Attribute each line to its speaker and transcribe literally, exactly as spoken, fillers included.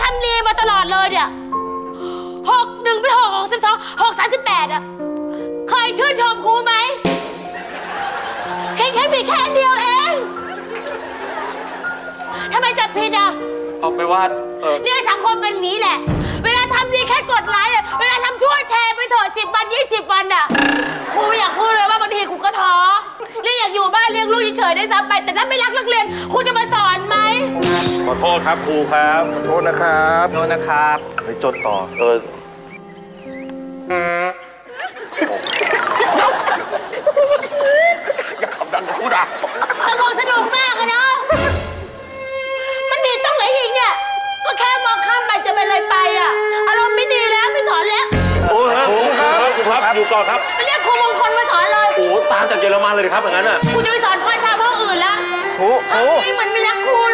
Speaker 1: ำดีมาตลอดเลยเนี่ยหกหนึ่งเป็นหกหกสิบสองหกสามสิบแปดอะเคยชื่นชมครูไหมแค่แค่มีแค่เดียวเองทำไมจับผิดอะ
Speaker 2: เอาไปว่าเออ
Speaker 1: เนี่ยสังคมเป็นอย่างนี้แหละเวลาทำดีแค่กดไลค์เวลาทำชั่วแชร์ไปเถอะสิบวันยี่สิบวันอะครูไม่อยากพูดเลยว่าบางทีครูก็ท้อนี่อยากอยู่บ้านเลี้ยงลูกเฉยๆได้ซ้ำไปแต่ถ้าไม่รักนักเรียนครูจะมาสอนไหม
Speaker 2: ขอโทษครับครูครับ
Speaker 3: ขอโทษนะครับ
Speaker 4: โทษนะครับ
Speaker 2: ไปจดต่อเออ
Speaker 3: อย่าขับดังกูด่า
Speaker 1: สนุกสนุกมากอะเนาะมันดีต้องไหนอีกเนี่ยก็แค่มองข้ามไปจะเป็นอะไรไปอะอารมณ์ไม่ดีแล้วไม่สอนแล้ว
Speaker 2: โอ้ครับครูครับครูครับอยู่ก่อนครับ
Speaker 1: ไปเรียกครูมงคลมาสอนเลย
Speaker 2: โอ้ตามจากเยอรมันเลยครับอย่างนั้นอ่ะ
Speaker 1: ครูจะไปสอนพ่อชาวห้องอื่นแล้ว
Speaker 4: ครูครู
Speaker 1: นี่เหมือนไม่รักครู